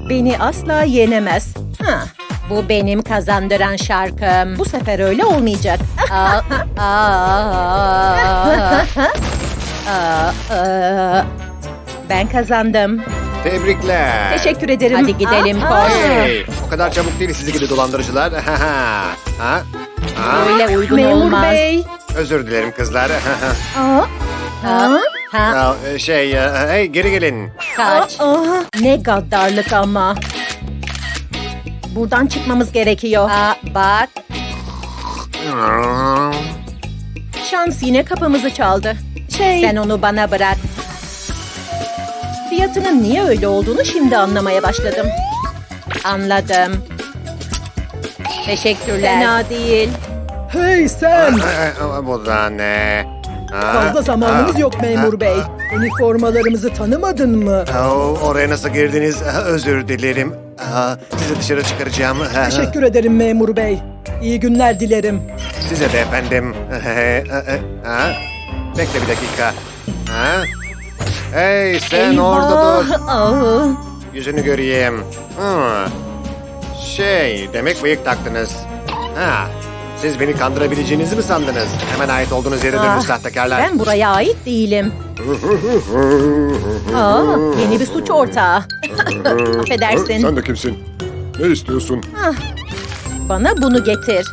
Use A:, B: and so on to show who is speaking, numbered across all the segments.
A: Beni asla yenemez. Bu benim kazandıran şarkım. Bu sefer öyle olmayacak. Ben kazandım.
B: Tebrikler.
A: Teşekkür ederim. Hadi gidelim koş.
B: Hey, o kadar çabuk değil sizi gibi dolandırıcılar. Ha?
A: Öyle uygun
C: Memur
A: olmaz.
C: bey.
B: Özür dilerim kızlar.
A: Ha,
B: Hey geri gelin.
A: kaç. Ne gaddarlık ama. Buradan çıkmamız gerekiyor. Bak. Şans yine kapımızı çaldı. Sen onu bana bırak. Fiyatının niye öyle olduğunu şimdi anlamaya başladım. Anladım. Teşekkürler. Fena değil.
C: Hey sen!
B: Bu da ne?
C: Fazla zamanımız yok memur bey. Üniformalarımızı tanımadın mı?
B: Oraya nasıl girdiniz? Özür dilerim. Sizi dışarı çıkaracağım.
C: Teşekkür ederim memur bey. İyi günler dilerim.
B: Size de efendim. Bekle bir dakika. Hey sen orada dur. Yüzünü göreyim. Demek bıyık taktınız. Siz beni kandırabileceğinizi mi sandınız? Hemen ait olduğunuz yere dönün sahtekarlar.
A: Ben buraya ait değilim. Yeni bir suç ortağı. Affedersin.
D: Sen de kimsin? Ne istiyorsun?
A: Bana bunu getir.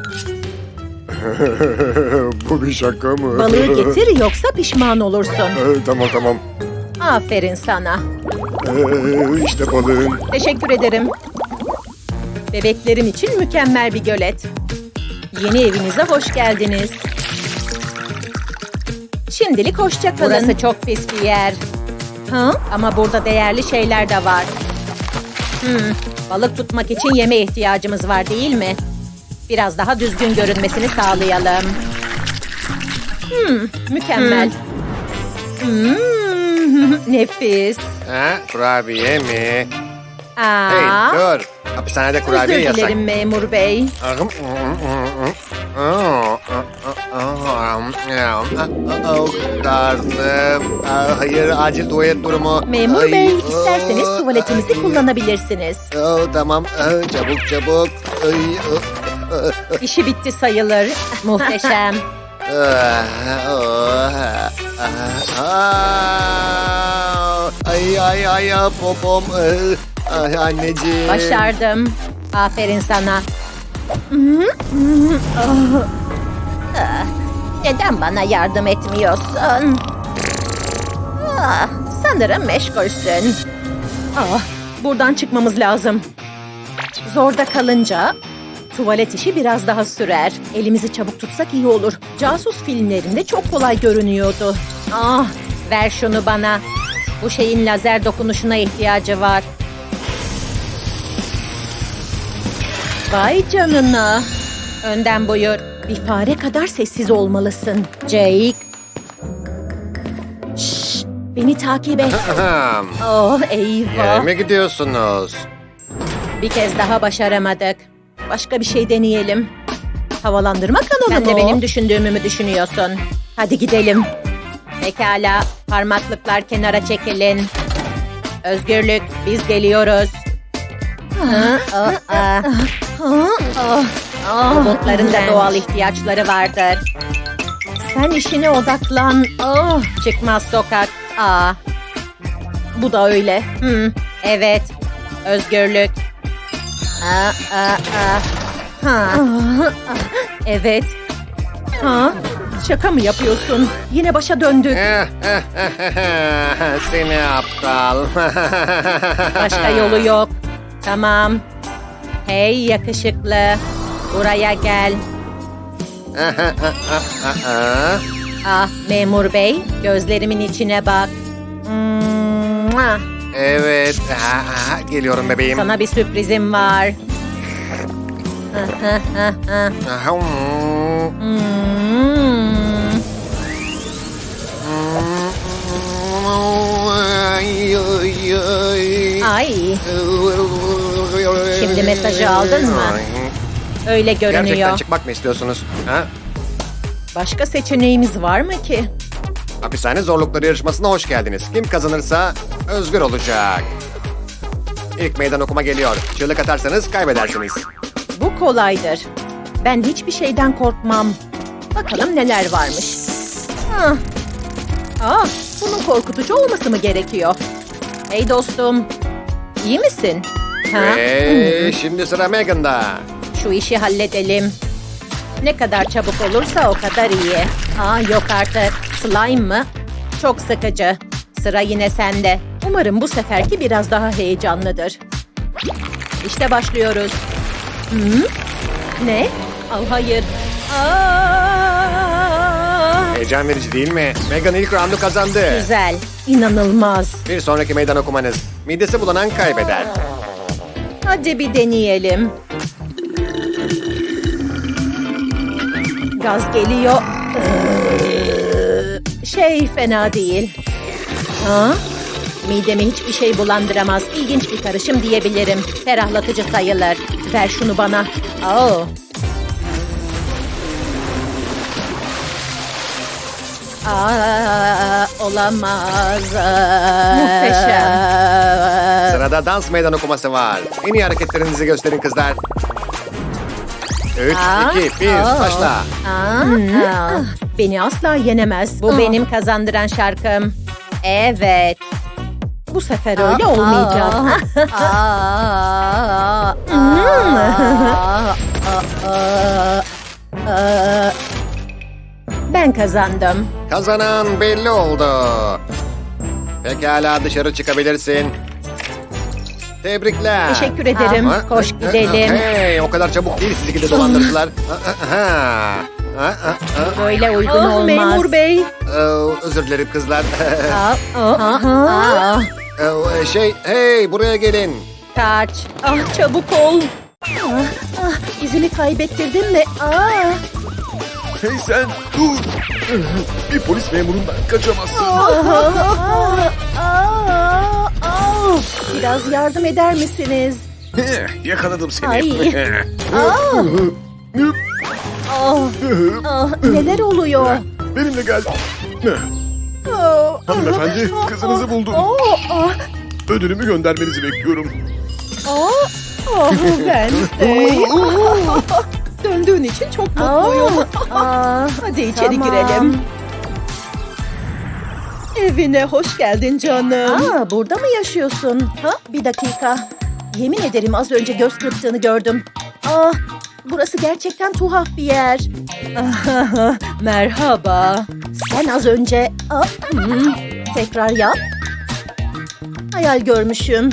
D: Bu bir şaka mı?
A: Balığı getir yoksa pişman olursun.
D: Tamam.
A: Aferin sana.
D: İşte balığın.
A: Teşekkür ederim. Bebeklerim için mükemmel bir gölet. Yeni evinize hoş geldiniz. Şimdilik hoşça kalın. Burası çok pis bir yer. Ama burada değerli şeyler de var. Balık tutmak için yeme ihtiyacımız var değil mi? Biraz daha düzgün görünmesini sağlayalım. Mükemmel. Nefis.
B: Kurabiye mi?
A: Aa,
B: Hey dur. Hapishanede kurabiye
A: özür
B: yasak.
A: dilerim memur bey.
B: Karnım. Hayır acil tuvalet durumu.
A: Memur
B: Ay,
A: bey, isterseniz tuvaletimizi
B: ay.
A: kullanabilirsiniz.
B: Tamam çabuk.
A: İşi bitti sayılır. Muhteşem.
B: Ay popom. Ay anneciğim.
A: Başardım. Aferin sana. Neden bana yardım etmiyorsun? Sanırım meşgulsün. Buradan çıkmamız lazım. Zorda kalınca tuvalet işi biraz daha sürer. Elimizi çabuk tutsak iyi olur. Casus filmlerinde çok kolay görünüyordu. Ver şunu bana. Bu şeyin lazer dokunuşuna ihtiyacı var. Vay canına. Önden buyur. Bir fare kadar sessiz olmalısın. Jake. Şşş, beni takip et. Eyvah.
B: Yere mi gidiyorsunuz?
A: Bir kez daha başaramadık. Başka bir şey deneyelim. Havalandırma kanonu
C: Sen
A: mu?
C: de
A: Benim düşündüğümü mü düşünüyorsun? Hadi gidelim. Pekala. Parmaklıklar kenara çekilin. Özgürlük, biz geliyoruz. Robotların da doğal ihtiyaçları vardır. Sen işine odaklan. Çıkmaz sokak. Bu da öyle. Evet. Özgürlük. Evet. Şaka mı yapıyorsun? Yine başa döndük.
B: Seni aptal.
A: Başka yolu yok. Tamam. Hey yakışıklı. Buraya gel. Memur bey. Gözlerimin içine bak.
B: Evet. Geliyorum bebeğim.
A: Sana bir sürprizim var. Ay. Şimdi mesajı aldın mı? Öyle görünüyor.
B: Gerçekten çıkmak mı istiyorsunuz?
A: Başka seçeneğimiz var mı ki?
B: Hapishane zorlukları yarışmasına hoş geldiniz. Kim kazanırsa özgür olacak. İlk meydan okuma geliyor. Çığlık atarsanız kaybedersiniz.
A: Bu kolaydır. Ben hiçbir şeyden korkmam. Bakalım neler varmış. Bunun korkutucu olması mı gerekiyor? Hey dostum, iyi misin?
B: Şimdi sıra Megan'da.
A: Şu işi halledelim. Ne kadar çabuk olursa o kadar iyi. Yok artık. Slime mı? Çok sıkıcı. Sıra yine sende. Umarım bu seferki biraz daha heyecanlıdır. İşte başlıyoruz. Ne? Hayır.
B: Heyecan verici değil mi? Megan ilk roundu kazandı.
A: Güzel. İnanılmaz.
B: Bir sonraki meydan okumanız. Midesi bulanan kaybeder.
A: Hadi bir deneyelim. Gaz geliyor. Fena değil. Midemi hiçbir şey bulandıramaz. İlginç bir karışım diyebilirim. Ferahlatıcı sayılır. Ver şunu bana. Olamaz. Muhteşem.
B: Sırada dans meydan okuması var. En iyi hareketlerinizi gösterin kızlar. 3, 2, 1, başla.
A: Beni asla yenemez. Bu benim kazandıran şarkım. Evet. Bu sefer öyle olmayacak. Ben kazandım.
B: Kazanan belli oldu. Pekala dışarı çıkabilirsin. Tebrikler.
A: Teşekkür ederim. Koş gidelim.
B: Hey, o kadar çabuk değil sizi gide dolandırıcılar.
A: Böyle uygun olmaz.
C: Memur bey.
B: Özür dilerim kızlar.
A: Aa,
B: buraya gelin.
A: Kaç. Çabuk ol. İzini kaybettirdin mi?
D: Hey sen dur. Bir polis memurundan kaçamazsın.
A: Biraz yardım eder misiniz?
D: Yakaladım seni.
A: Ay. Neler oluyor?
D: Benimle gel. Hanımefendi kızınızı buldum. Ödülümü göndermenizi bekliyorum.
C: Wednesday. Döndüğün için çok mutluyum. Hadi içeri girelim. Evine hoş geldin canım.
A: Burada mı yaşıyorsun? Bir dakika. Yemin ederim az önce göz kırptığını gördüm. Burası gerçekten tuhaf bir yer.
C: Merhaba.
A: Sen az önce... tekrar yap. Hayal görmüşüm.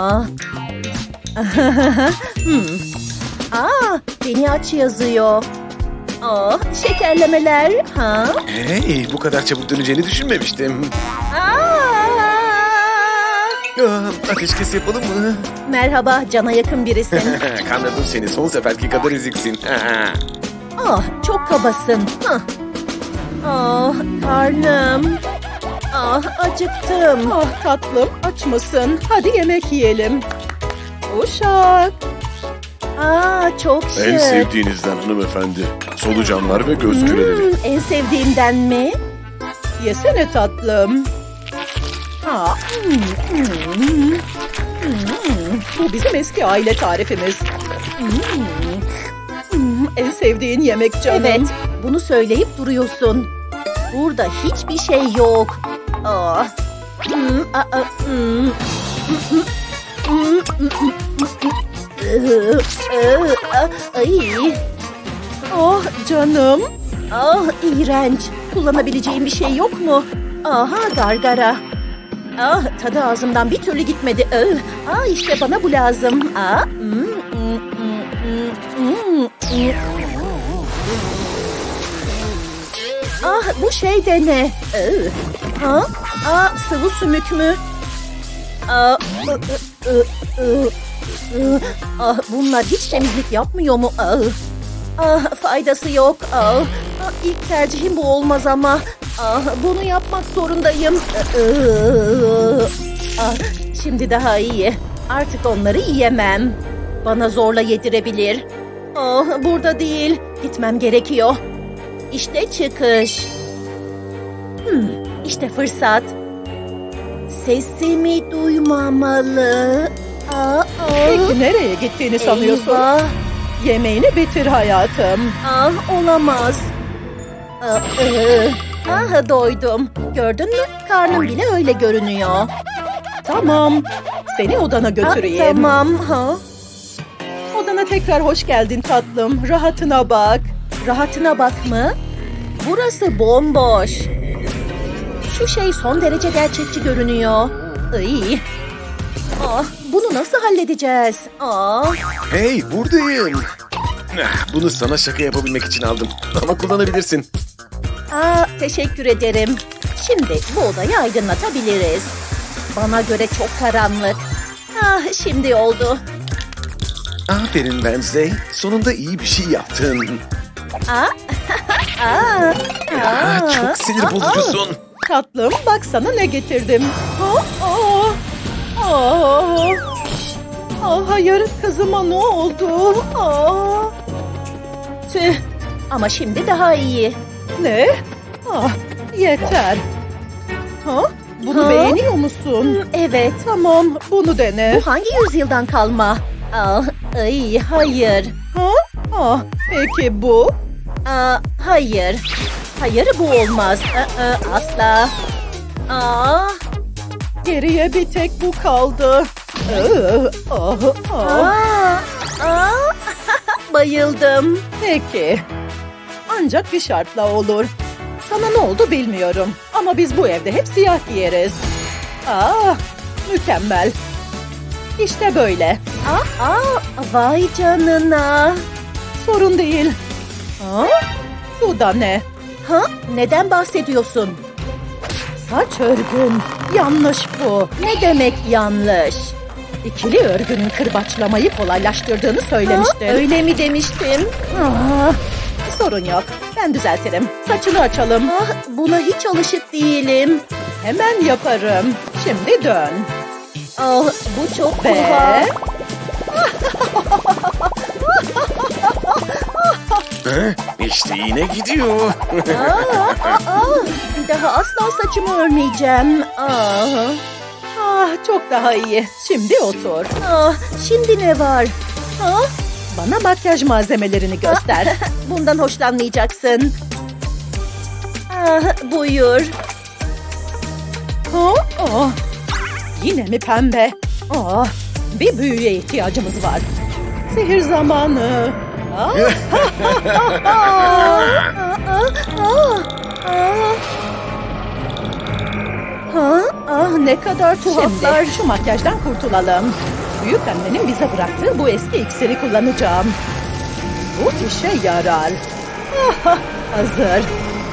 A: Beni aç yazıyor. Şekerlemeler.
E: Hey, bu kadar çabuk döneceğini düşünmemiştim. Ateşkes yapalım mı?
A: Merhaba, cana yakın birisin.
E: Kandırdım seni, son seferki kadar eziksin.
A: Çok kabasın. Karnım. Acıktım.
C: Tatlım aç mısın? Hadi yemek yiyelim. Uşak.
A: Çok şık.
D: En sevdiğinizden hanımefendi. Solucanlar ve göz küreleri.
A: En sevdiğimden mi?
C: Yesene tatlım. Bu bizim eski aile tarifimiz. En sevdiğin yemek canım.
A: Evet, bunu söyleyip duruyorsun. Burada hiçbir şey yok.
C: Canım.
A: İğrenç. Kullanabileceğim bir şey yok mu? Gargara. Tadı ağzımdan bir türlü gitmedi. İşte bana bu lazım. Bu şey de ne? Sıvı sümük mü? Bunlar hiç temizlik yapmıyor mu? Faydası yok. İlk tercihim bu olmaz ama. Bunu yapmak zorundayım. Şimdi daha iyi. Artık onları yiyemem. Bana zorla yedirebilir. Burada değil. Gitmem gerekiyor. İşte çıkış. İşte fırsat. Sesimi duymamalı.
C: Peki nereye gittiğini sanıyorsun?
A: Eyvah.
C: Yemeğini bitir hayatım.
A: Olamaz. Doydum. Gördün mü? Karnım bile öyle görünüyor.
C: Tamam. Seni odana götüreyim.
A: Tamam.
C: Odana tekrar hoş geldin tatlım. Rahatına bak.
A: Rahatına bak mı? Burası bomboş. Şu şey son derece gerçekçi görünüyor. Iy. Bunu nasıl halledeceğiz?
E: Hey, buradayım. Bunu sana şaka yapabilmek için aldım. Ama kullanabilirsin.
A: Teşekkür ederim. Şimdi bu odayı aydınlatabiliriz. Bana göre çok karanlık. Şimdi oldu.
E: Aferin Wednesday. Sonunda iyi bir şey yaptın. Çok sinir bozucusun.
C: Tatlım bak sana ne getirdim. Hayır kızıma ne oldu?
A: Tüh. Ama şimdi daha iyi.
C: Ne? Yeter. Bunu beğeniyor musun?
A: Evet.
C: Tamam bunu dene.
A: Bu hangi yüzyıldan kalma? Hayır.
C: Peki bu?
A: Hayır. Hayır bu olmaz. Asla.
C: Geriye bir tek bu kaldı.
A: Bayıldım.
C: Peki. Ancak bir şartla olur. Sana ne oldu bilmiyorum. Ama biz bu evde hep siyah giyeriz. Mükemmel. İşte böyle.
A: Vay canına.
C: Sorun değil. Bu da ne?
A: Neden bahsediyorsun?
C: Saç örgün. Yanlış bu.
A: Ne demek yanlış?
C: İkili örgünün kırbaçlamayı kolaylaştırdığını söylemiştin.
A: Öyle mi demiştim?
C: Sorun yok. Ben düzeltirim. Saçını açalım.
A: Buna hiç alışık değilim.
C: Hemen yaparım. Şimdi dön.
A: Bu çok
C: Ve...
A: tuhaf.
E: İşte yine gidiyor.
A: Bir daha asla saçımı örmeyeceğim.
C: Çok daha iyi. Şimdi otur.
A: Şimdi ne var?
C: Bana makyaj malzemelerini göster.
A: Bundan hoşlanmayacaksın. Buyur.
C: Yine mi pembe? Bir büyüye ihtiyacımız var. Sihir zamanı.
A: Ne kadar tuhaflar.
C: Şimdi şu makyajdan kurtulalım. Büyük annenin bize bıraktığı bu eski iksiri kullanacağım. Bu işe yarar. Hazır.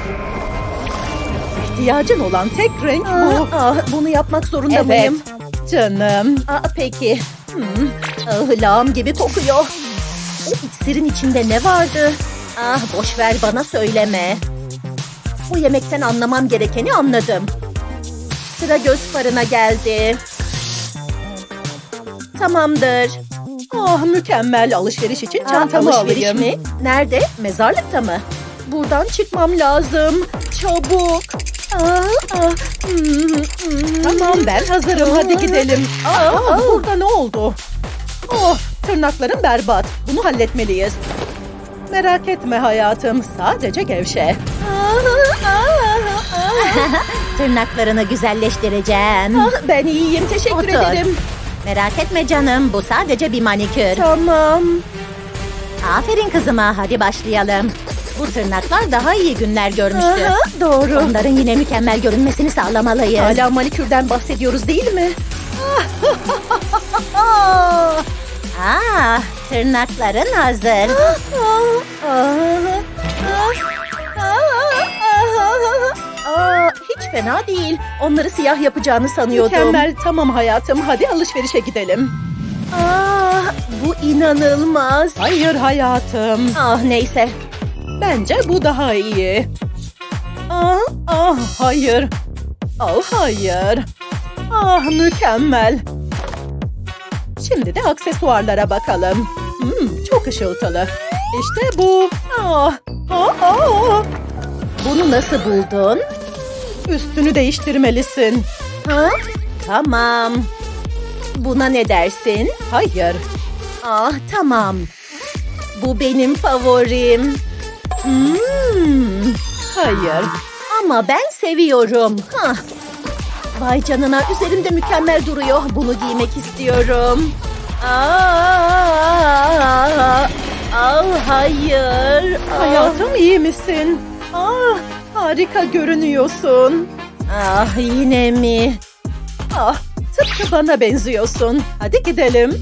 C: İhtiyacın olan tek renk bu.
A: Bunu yapmak zorunda
C: Evet.
A: mıyım?
C: Canım.
A: Peki. Lağım gibi kokuyor. O iksirin içinde ne vardı? Boş ver bana söyleme. Bu yemekten anlamam gerekeni anladım. Sıra göz farına geldi. Tamamdır.
C: Mükemmel alışveriş için çantamı
A: Alışveriş
C: alayım.
A: mi? Nerede? Mezarlıkta mı? Buradan çıkmam lazım. Çabuk.
C: Tamam ben hazırım hadi gidelim. Burada ne oldu? Tırnaklarım berbat. Bunu halletmeliyiz. Merak etme hayatım. Sadece gevşe.
A: Tırnaklarını güzelleştireceğim.
C: Ben iyiyim. Teşekkür
A: Otur.
C: ederim.
A: Merak etme canım. Bu sadece bir manikür.
C: Tamam.
A: Aferin kızıma. Hadi başlayalım. Bu tırnaklar daha iyi günler görmüştü.
C: Doğru.
A: Onların yine mükemmel görünmesini sağlamalıyız.
C: Hala manikürden bahsediyoruz değil mi?
A: Tırnakların hazır. Hiç fena değil. Onları siyah yapacağını sanıyordum.
C: Mükemmel. Tamam hayatım. Hadi alışverişe gidelim.
A: Bu inanılmaz.
C: Hayır hayatım.
A: Neyse.
C: Bence bu daha iyi. Hayır. Hayır. Mükemmel. Şimdi de aksesuarlara bakalım. Çok ışıltılı. İşte bu.
A: Bunu nasıl buldun?
C: Üstünü değiştirmelisin.
A: Tamam. Buna ne dersin?
C: Hayır.
A: Ah tamam. Bu benim favorim.
C: Hayır.
A: Ama ben seviyorum. Hah. Vay canına, üzerimde mükemmel duruyor. Bunu giymek istiyorum. Hayır.
C: Hayatım iyi misin? Harika görünüyorsun.
A: Yine mi?
C: Tıpkı bana benziyorsun. Hadi gidelim.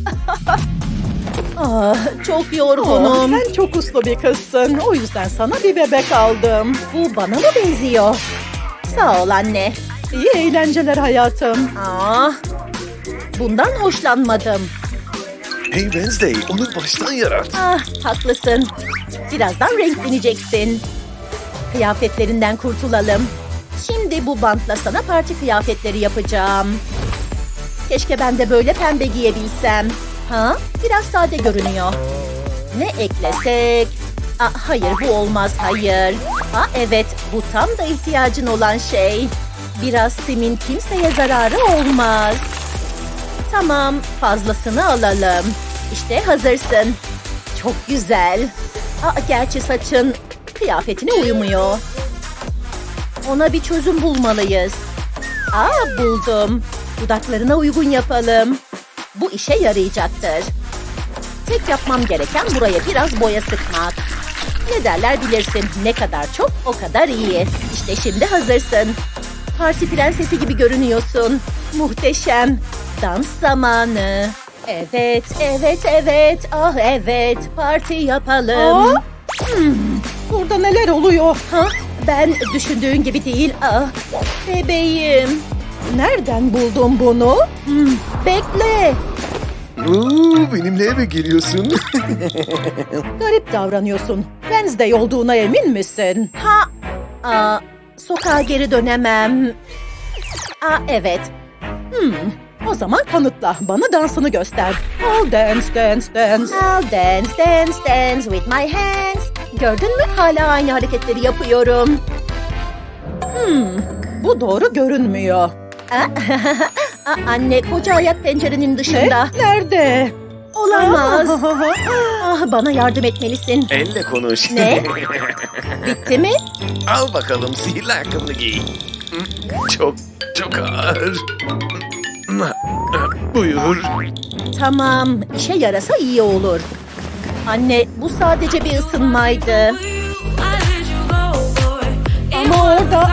A: Çok yorgunum.
C: Sen çok uslu bir kızsın. O yüzden sana bir bebek aldım.
A: Bu bana mı benziyor? Sağ ol anne.
C: İyi eğlenceler hayatım.
A: Bundan hoşlanmadım.
E: Hey Wednesday, onu baştan yarat.
A: Haklısın. Birazdan renkleneceksin. Kıyafetlerinden kurtulalım. Şimdi bu bantla sana parti kıyafetleri yapacağım. Keşke ben de böyle pembe giyebilsem. Biraz sade görünüyor. Ne eklesek? Hayır, bu olmaz, hayır. Evet, bu tam da ihtiyacın olan şey. Biraz simin kimseye zararı olmaz. Tamam, fazlasını alalım. İşte hazırsın. Çok güzel. Gerçi saçın kıyafetine uymuyor. Ona bir çözüm bulmalıyız. Buldum. Dudaklarına uygun yapalım. Bu işe yarayacaktır. Tek yapmam gereken buraya biraz boya sıkmak. Ne derler bilirsin. Ne kadar çok o kadar iyi. İşte şimdi hazırsın. Parti prensesi gibi görünüyorsun. Muhteşem. Dans zamanı. Evet. Evet. Parti yapalım.
C: Burada neler oluyor?
A: Ben düşündüğün gibi değil. Bebeğim.
C: Nereden buldun bunu?
A: Bekle.
E: Benimle eve geliyorsun.
C: Garip davranıyorsun. Wednesday olduğuna emin misin?
A: Sokağa geri dönemem. Evet.
C: O zaman kanıtla. Bana dansını göster. I'll dance.
A: I'll dance with my hands. Gördün mü? Hala aynı hareketleri yapıyorum.
C: Bu doğru görünmüyor.
A: Anne, koca ayak pencerenin dışında.
C: Nerede?
A: Olamaz. Bana yardım etmelisin.
E: Elle konuş.
A: Ne? Bitti mi?
E: Al bakalım sihirli ayakkabını giy. Çok ağır. Buyur.
A: Tamam, işe yarasa iyi olur. Anne, bu sadece bir ısınmaydı.
C: Ama orada...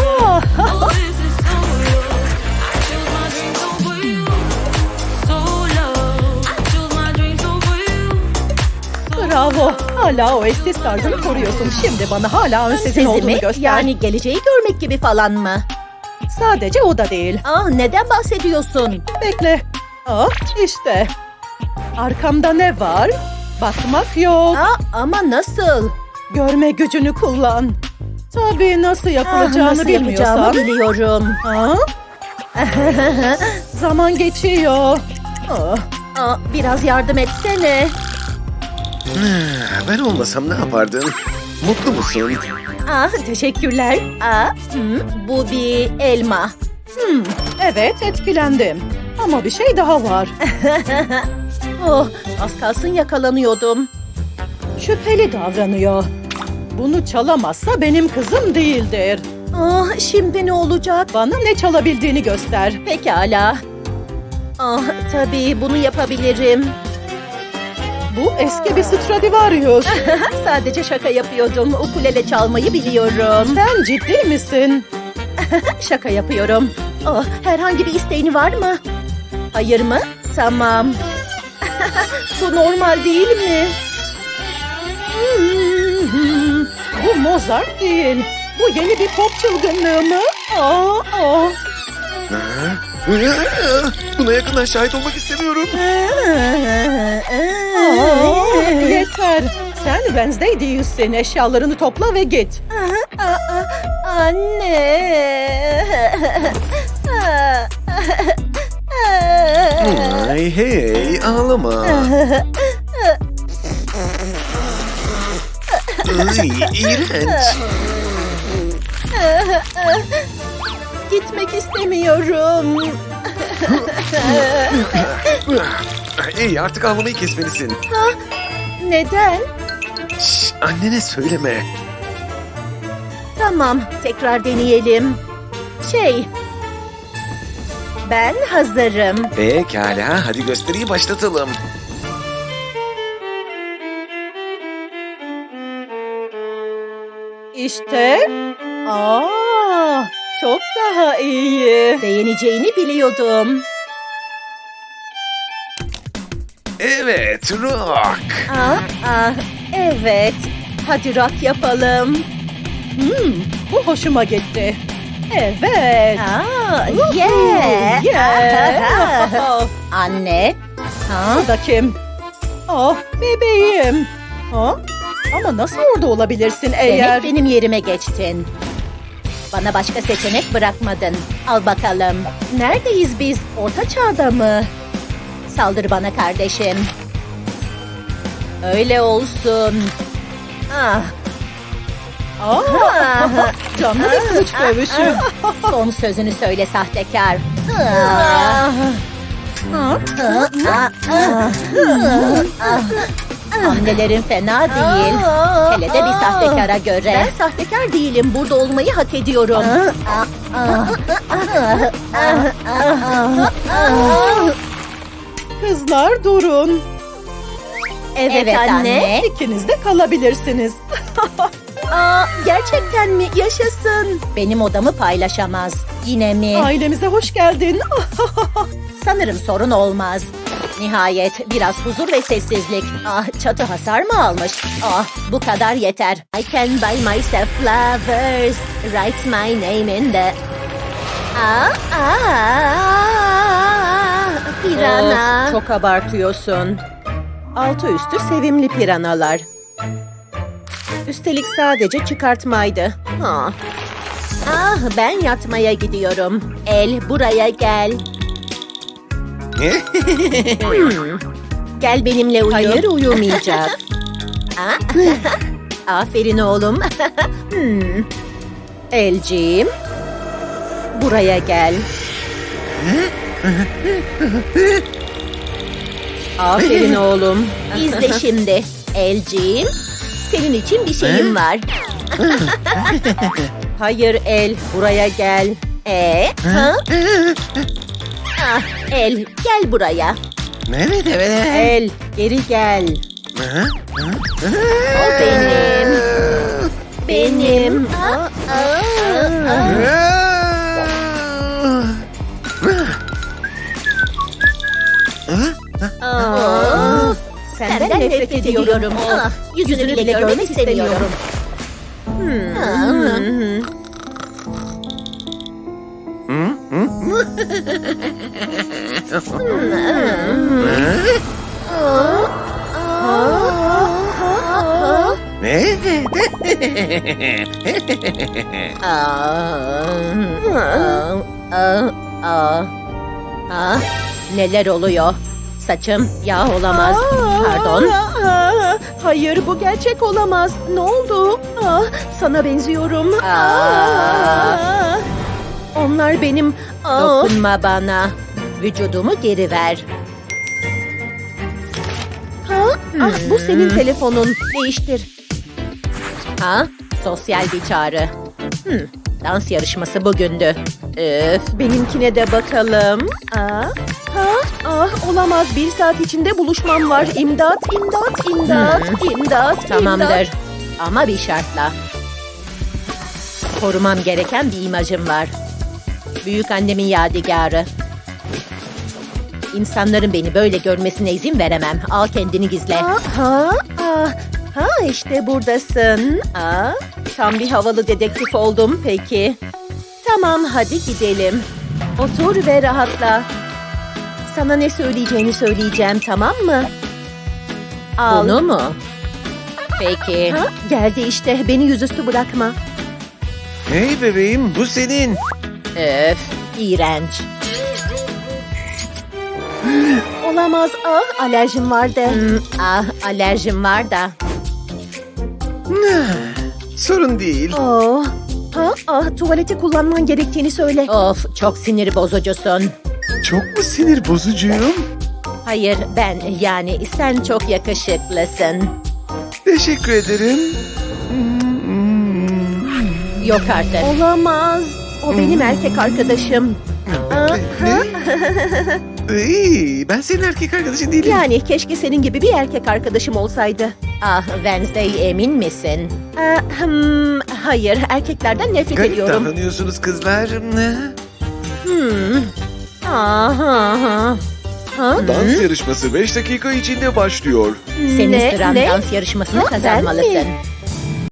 C: Bravo. Hala o eşsiz tarzını koruyorsun. Şimdi bana hala ön sesin olduğunu
A: Sezimi,
C: göster.
A: yani geleceği görmek gibi falan mı?
C: Sadece o da değil.
A: Neden bahsediyorsun?
C: Bekle. İşte. Arkamda ne var? Bakmak yok.
A: Ama nasıl?
C: Görme gücünü kullan. Tabii nasıl yapılacağını
A: Nasıl
C: bilmiyorsan.
A: yapacağımı biliyorum.
C: Zaman geçiyor.
A: Biraz yardım etsene.
E: Ben olmasam ne yapardın? Mutlu musun?
A: Teşekkürler. Bu bir elma.
C: Evet, etkilendim. Ama bir şey daha var.
A: Az kalsın yakalanıyordum.
C: Şüpheli davranıyor. Bunu çalamazsa benim kızım değildir.
A: Şimdi ne olacak?
C: Bana ne çalabildiğini göster.
A: Pekala. Tabii bunu yapabilirim.
C: Bu eski bir Stradivarius.
A: Sadece şaka yapıyordum. Ukulele çalmayı biliyorum.
C: Sen ciddi misin?
A: Şaka yapıyorum. Herhangi bir isteğini var mı? Hayır mı? Tamam. Bu normal değil mi?
C: Bu Mozart değil. Bu yeni bir pop çılgınlığı mı?
E: Buna yakından şahit olmak istemiyorum.
C: Yeter. Sen Wednesday değilsin. Eşyalarını topla ve git.
A: Anne.
E: Hey ağlama. İğrenç.
A: Gitmek istemiyorum.
E: Hey, artık ağlamayı kesmelisin.
A: Neden?
E: Şş, annene söyleme.
A: Tamam, tekrar deneyelim. Ben hazırım.
E: Pekala, hadi gösteriyi başlatalım.
C: İşte. Çok daha iyi.
A: Beğeneceğini biliyordum.
E: Evet, rock.
A: Evet. Hadi rock yapalım.
C: Bu hoşuma gitti. Evet.
A: Yeah.
C: Yeah.
A: Anne.
C: Bu da kim? Bebeğim. Ama nasıl orada olabilirsin eğer...
A: Demek benim yerime geçtin. Bana başka seçenek bırakmadın. Al bakalım. Neredeyiz biz? Orta çağda mı? Saldır bana kardeşim. Öyle olsun.
C: Canlı bir kılıç dövüşü.
A: Son sözünü söyle sahtekar. Hamlelerin fena değil. Hele de bir sahtekara göre. Ben sahtekar değilim. Burada olmayı hak ediyorum.
C: Kızlar durun.
A: Evet anne.
C: İkiniz de kalabilirsiniz.
A: Gerçekten mi? Yaşasın. Benim odamı paylaşamaz. Yine mi?
C: Ailemize hoş geldin.
A: Sanırım sorun olmaz. Nihayet biraz huzur ve sessizlik. Çatı hasar mı almış? Bu kadar yeter. I can buy myself flowers. Write my name in the... Pirana.
C: Of, çok abartıyorsun. Altı üstü sevimli piranalar. Üstelik sadece çıkartmaydı.
A: Ben yatmaya gidiyorum. El buraya gel. Gel benimle uyu.
C: Hayır, uyumayacak.
A: Aferin oğlum.
C: Elciğim, buraya gel. Aferin oğlum.
A: İzle şimdi. Elciğim, senin için bir şeyim var.
C: Hayır El, buraya gel.
A: El, gel buraya.
E: Evet, evet.
C: El, geri gel.
A: O benim. Benim. Senden nefret ediyorum. Yüzünü bile görmek istemiyorum. Neler oluyor? Saçım yağ olamaz. Pardon.
C: Hayır, bu gerçek olamaz. Ne oldu? Sana benziyorum. Onlar benim...
A: Dokunma bana. Vücudumu geri ver.
C: Bu senin telefonun. Değiştir.
A: Sosyal bir çağrı. Dans yarışması bugündü.
C: Benimkine de bakalım. Olamaz. 1 saat içinde buluşmam var. İmdat, imdat, imdat, imdat.
A: Tamamdır. Ama bir şartla. Korumam gereken bir imajım var. Büyük annemin yadigarı. İnsanların beni böyle görmesine izin veremem. Al kendini gizle.
C: İşte buradasın. Tam bir havalı dedektif oldum peki. Tamam, hadi gidelim. Otur ve rahatla. Sana ne söyleyeceğini söyleyeceğim, tamam mı? Al.
A: Bunu mu? Peki.
C: Geldi işte, beni yüzüstü bırakma.
E: Hey bebeğim, bu senin.
A: Öf, iğrenç.
C: Olamaz, alerjim vardı.
A: Alerjim var da.
E: Sorun değil.
C: Tuvaleti kullanman gerektiğini söyle.
A: Of, çok sinir bozucusun.
E: çok mu sinir bozucuyum?
A: Hayır, ben yani sen çok yakışıklısın.
E: Teşekkür ederim.
A: Yok artık. Olamaz. O benim erkek arkadaşım.
E: İyi, ben senin erkek arkadaşın değilim.
A: Yani keşke senin gibi bir erkek arkadaşım olsaydı. Ah Wednesday, emin misin? Hayır, erkeklerden nefret
E: Garip
A: ediyorum.
E: davranıyorsunuz kızlar.
A: Aha. Ha?
D: Dans yarışması 5 dakika içinde başlıyor.
A: Senin sıran dans yarışmasını kazanmalısın.